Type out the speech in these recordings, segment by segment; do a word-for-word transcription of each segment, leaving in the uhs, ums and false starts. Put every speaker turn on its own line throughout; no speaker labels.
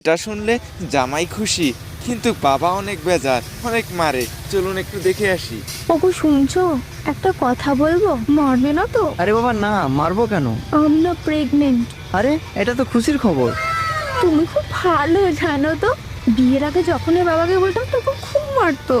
এটা শুনলে জামাই খুশি, কিন্তু বাবা অনেক বেজার, অনেক মারে। চলুন একটু দেখে আসি।
ওগো শুনছো, একটা কথা বলবো, মারবে না তো?
আরে বাবা না, মারবো কেন?
আমি না প্রেগনেন্ট।
আরে এটা তো খুশির খবর।
তুমি খুব ভালো জানো তো, বিয়ের আগে যখন এর বাবাকে বলতাম তখন খুব মারতো।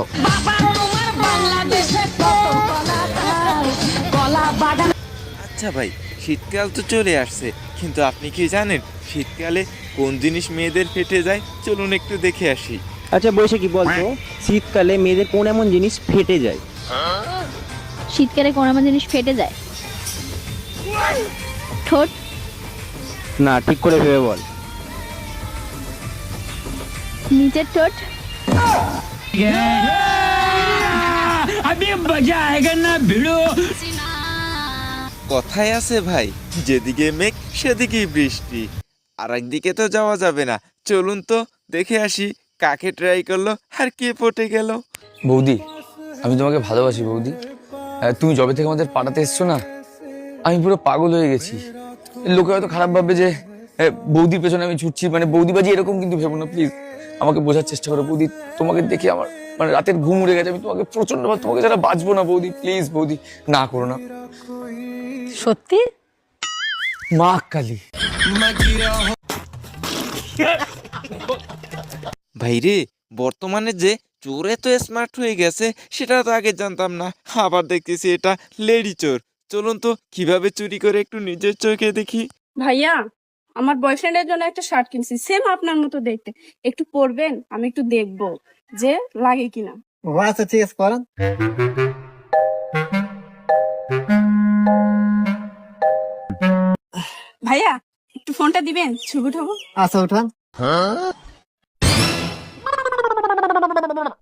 আচ্ছা ভাই, শীতকাল তো চলে আসছে, কিন্তু আপনি কি জানেন শীতকালে কোন জিনিস মেয়েদের ফেটে যায়? চলুন একটু দেখে আসি।
আচ্ছা বৈশাখী বলতো, শীতকালে মেয়েদের কোন এমন জিনিস ফেটে যায়?
শীতকালে কোন এমন জিনিস ফেটে যায়? ঠোঁট।
না, ঠিক করে ভেবে বল।
নিচের ঠোঁট।
কথায় আছে ভাই, যেদিকে মেঘ সেদিকেই বৃষ্টি। আর একদিকে তো যাওয়া যাবে না। চলুন তো দেখে আসি কাকে ট্রাই করলো আর কে পটে গেল।
বৌদি, আমি তোমাকে ভালোবাসি বৌদি। আহ, তুমি যবে থেকে আমাদের পাড়াতে এসছো না, আমি পুরো পাগল হয়ে গেছি। লোকে হয়তো খারাপ ভাববে যে আহ, বৌদির পেছনে আমি ছুটছি, মানে বৌদিবাজি এরকম কিন্তু ভেবো না প্লিজ। আমাকে বোঝার চেষ্টা করো বৌদি। তোমাকে দেখে আমার মানে রাতের ঘুম উড়ে গেছে। আমি তোমাকে প্রচন্ড ভালো, তোমাকে যারা বাঁচবো না বৌদি, প্লিজ বৌদি না করো না।
সত্যি?
মা কালী।
ভাইরে, বর্তমানে যে চোর এত স্মার্ট হয়ে গেছে সেটা তো আগে জানতাম না। আবার দেখতেছি এটা লেডি চোর। চলুন তো কিভাবে চুরি করে একটু নিজের চোখে দেখি।
ভাইয়া, আমার বয়ফ্রেন্ডের জন্য একটা শার্ট কিনছি, সেম আপনার মতো দেখতে। একটু পরবেন, আমি একটু দেখবো যে লাগে কিনা।
ও আচ্ছা, ঠিক আছে, করেন।
ভাইয়া, একটু ফোনটা দিবেন, ছবি উঠাবো।
আচ্ছা, উঠান।